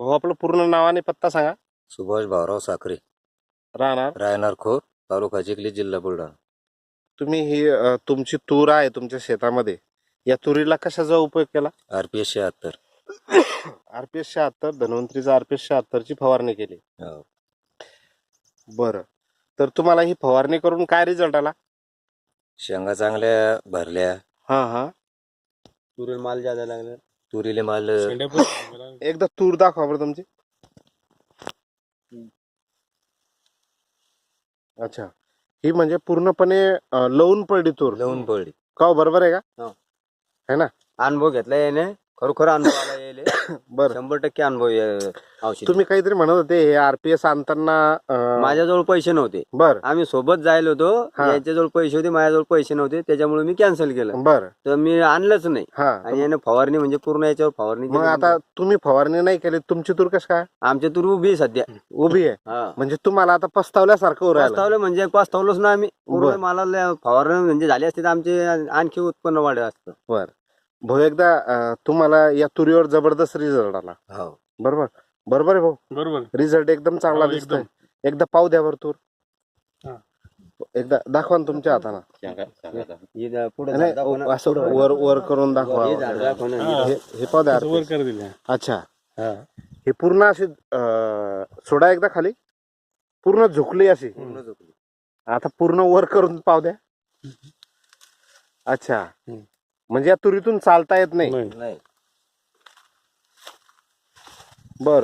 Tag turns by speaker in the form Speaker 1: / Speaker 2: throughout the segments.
Speaker 1: भाऊ आपलं पूर्ण नाव आणि पत्ता सांगा.
Speaker 2: सुभाष भाऊराव साखरे,
Speaker 1: राहणार
Speaker 2: खोर, तालुका चिखली, जिल्हा बुलढाणा.
Speaker 1: तुम्ही ही तुमची तूर आहे तुमच्या शेतामध्ये, या तुरीला कशाचा उपयोग केला?
Speaker 2: RPS 76.
Speaker 1: RPS 76, धन्वंतरीचा RPS 76 ची फवारणी केली.
Speaker 2: हो.
Speaker 1: बरं, तर तुम्हाला ही फवारणी करून काय रिझल्ट आला?
Speaker 2: शेंगा चांगल्या भरल्या,
Speaker 1: हा
Speaker 3: तुरीला माल ज्यादा लागला.
Speaker 2: तुरीले माल
Speaker 1: एकदा तूर दाखवा बरं तुमची. अच्छा, ही म्हणजे पूर्णपणे लवून पडली तूर.
Speaker 2: लावून पडली.
Speaker 1: का हो, बरोबर आहे का?
Speaker 3: हो.
Speaker 1: है ना?
Speaker 3: अनुभव घेतला याने, खरोखर अनुभव आला यायले.
Speaker 1: बरं,
Speaker 3: 100% अनुभव औषध.
Speaker 1: तुम्ही काहीतरी म्हणत होते हे RPS आणताना
Speaker 3: माझ्याजवळ पैसे नव्हते,
Speaker 1: बर
Speaker 3: आम्ही सोबत जायला होतो.
Speaker 1: हा.
Speaker 3: यांच्याजवळ पैसे होते, माझ्याजवळ पैसे नव्हते, त्याच्यामुळे मी कॅन्सल केलं.
Speaker 1: बर
Speaker 3: तर मी आणलंच नाही.
Speaker 1: हा,
Speaker 3: आणि याने फवारणी म्हणजे पूर्ण याच्यावर फवारणी
Speaker 1: मग
Speaker 3: केली.
Speaker 1: आता तुम्ही फवारणी नाही केली, तुमची तूर कशी काय
Speaker 3: आमच्या तूर उभी आहे सध्या.
Speaker 1: उभी आहे?
Speaker 3: हा.
Speaker 1: म्हणजे तुम्हाला आता पस्तावल्यासारखं होऊ राहिलं.
Speaker 3: पास्तावलं म्हणजे पास्तावलोच ना आम्ही. पूर्ण
Speaker 1: बरं.
Speaker 3: मालाला फवारणी म्हणजे झाली असते तर आमचे आणखी उत्पन्न वाढलं असतं.
Speaker 1: बर भाऊ, एकदा तुम्हाला या तुरीवर जबरदस्त रिझल्ट आला,
Speaker 2: हो.
Speaker 1: बरोबर? बरोबर आहे भाऊ,
Speaker 4: बरोबर.
Speaker 1: रिझल्ट एकदम चांगला
Speaker 4: हो,
Speaker 1: दिसतोय. एकदा पाहू द्या बरं तूर.
Speaker 4: हा.
Speaker 1: एकदा दाखवा ना तुमच्या हाताने.
Speaker 3: हे पुढे
Speaker 1: नाही,
Speaker 3: दाखव ना.
Speaker 1: असं वर वर करून दाखवा.
Speaker 3: हे झाड दाखव ना.
Speaker 4: हा.
Speaker 1: हे पाहू द्या.
Speaker 4: वर कर दिले.
Speaker 1: अच्छा,
Speaker 4: हा.
Speaker 1: हे पूर्ण अशी सोडा एकदा खाली, पूर्ण झुकली अशी.
Speaker 3: पूर्ण झोपली.
Speaker 1: आता पूर्ण वर करून पाहू द्या. अच्छा, म्हणजे या तुरीतून चालता येत नाही.
Speaker 4: नाही.
Speaker 3: नाही.
Speaker 1: बर,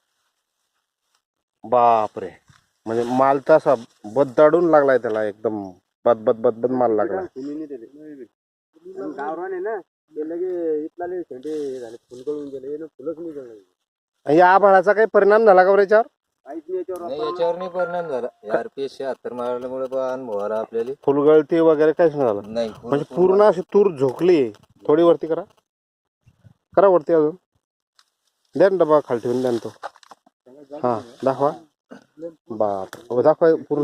Speaker 1: बापरे, म्हणजे माल तसा बददाडून लागलाय त्याला, एकदम बद माल लागला.
Speaker 3: गावरान आहे ना, ते लगे इथला शेंडे झाले, फुल गळून गेले, फुलच नाही गळले.
Speaker 1: या आभाळाचा काही परिणाम झाला का बरं याच्यावर?
Speaker 3: काहीच नाही याच्यावर.
Speaker 2: नाही, याच्यावर नाही परिणाम झाला. RPS 76 मारल्यामुळे अनुभव आला आपल्याला.
Speaker 1: फुलगळती वगैरे काहीच नाही झालं?
Speaker 2: नाही,
Speaker 1: म्हणजे पूर्ण अशी तूर झोकली. थोडी वरती करा, करा वरती अजून. द्या ना डबा खाली ठेवून, द्या ना तो. हा, दाखवा. बाप, दाखवा पूर्ण.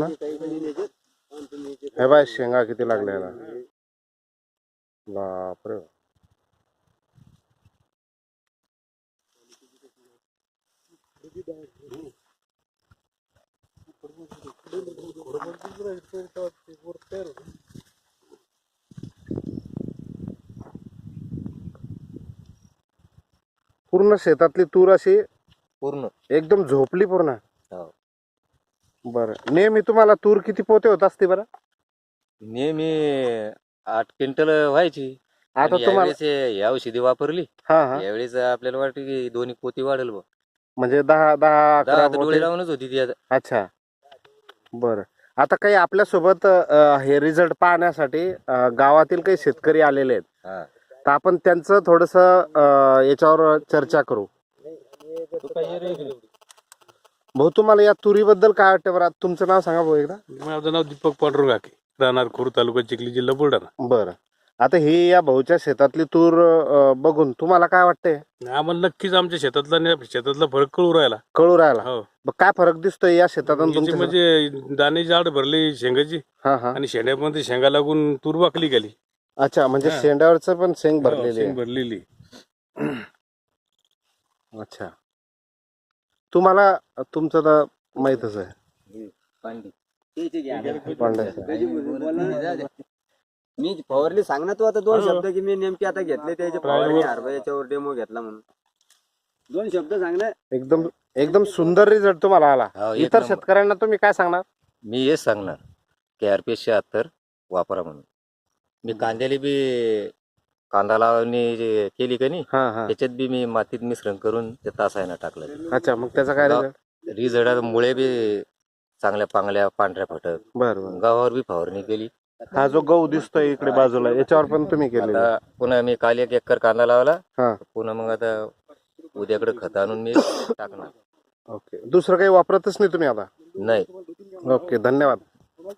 Speaker 1: हे बाय, शेंगा किती लागल्या याला. बापरे, पूर्ण शेतातली तूर अशी
Speaker 2: पूर्ण.
Speaker 1: एकदम झोपली पूर्ण.
Speaker 2: हो.
Speaker 1: बरं, नेहमी तुम्हाला तूर किती पोते होत असते बरं?
Speaker 2: नेहमी 8 क्विंटल व्हायची.
Speaker 1: आता
Speaker 2: आणि
Speaker 1: तुम्हाला
Speaker 2: यावेळेस हे औषधी वापरली.
Speaker 1: हा
Speaker 2: यावेळेस आपल्याला वाटतं की 2 पोती वाढेल बा.
Speaker 1: म्हणजे 10 11
Speaker 2: डोळे
Speaker 1: पोते.
Speaker 2: लावूनच होती ती आता.
Speaker 1: अच्छा, बरं. आता काही आपल्या सोबत हे रिझल्ट पाहण्यासाठी गावातील काही शेतकरी आलेले आहेत,
Speaker 2: हा.
Speaker 1: तर आपण त्यांचं थोडस याच्यावर चर्चा करू. भाऊ, तुम्हाला या तुरीबद्दल काय वाटतं बरं? तुमचं नाव सांगा भाऊ एकदा.
Speaker 4: माझं नाव दीपक पांडुरंग हाके, राहणार खोर, तालुका चिखली, जिल्हा बुलढाणा.
Speaker 1: बरं, आता ही या भाऊच्या शेतातली तूर बघून तुम्हाला काय वाटतंय?
Speaker 4: आम्हाला नक्कीच आमच्या शेतातला फरक कळू राहिला.
Speaker 1: कळू राहिला?
Speaker 4: हो.
Speaker 1: मग काय फरक दिसतोय या शेतात आणि
Speaker 4: याची
Speaker 1: तुमच्या शेतात?
Speaker 4: म्हणजे दाणे जाड भरली शेंगाची,
Speaker 1: हा हा,
Speaker 4: आणि शेंड्यामध्ये शेंगा लागून तूर वाकली गेली.
Speaker 1: अच्छा, म्हणजे
Speaker 4: हा.
Speaker 1: शेंड्यावरच पण शेंग
Speaker 4: हो,
Speaker 1: भरलेली
Speaker 4: शेंग
Speaker 1: आहे.
Speaker 4: भरलेली.
Speaker 1: अच्छा, तुम्हाला तुमचं तर माहीतच आहे.
Speaker 2: पांडी.
Speaker 1: पांड्या.
Speaker 3: मी फवारली सांग ना तू आता 2 शब्द, की मी नेमके आता घेतले त्याचे फवारणी याच्यावर डेमो घेतला म्हणून. 2 शब्द सांग ना.
Speaker 1: एकदम एकदम सुंदर रिझल्ट तुम्हाला आला.
Speaker 2: हो, एक
Speaker 1: इतर
Speaker 2: नंबर.
Speaker 1: शेतकऱ्यांना तुम्ही काय सांगणार?
Speaker 2: मी हेच सांगणार की RPS 76 वापरा म्हणून. मी कांद्याला बी कांदा लावणी जे केली का नाही,
Speaker 1: हा हा,
Speaker 2: त्याच्यात बी मी मातीत मिश्रण करून ते तासायला टाकलं.
Speaker 1: अच्छा, मग त्याचा काय रिझल्ट?
Speaker 2: रिझल्ट मुळे बी चांगल्या पांगल्या पांढऱ्या फटक.
Speaker 1: बरं बरं.
Speaker 2: गावावर बी फवारणी केली.
Speaker 1: हा जो गहू दिसतोय इकडे बाजूला, याच्यावर पण तुम्ही केलेलं?
Speaker 2: आता पुन्हा मी काल 1 एकर कांदा लावला.
Speaker 1: हा.
Speaker 2: पुन्हा मग आता उद्याकडे खत आणून मी टाकणार.
Speaker 1: ओके, दुसरं काही वापरतच नाही तुम्ही आता?
Speaker 2: नाही.
Speaker 1: ओके, धन्यवाद.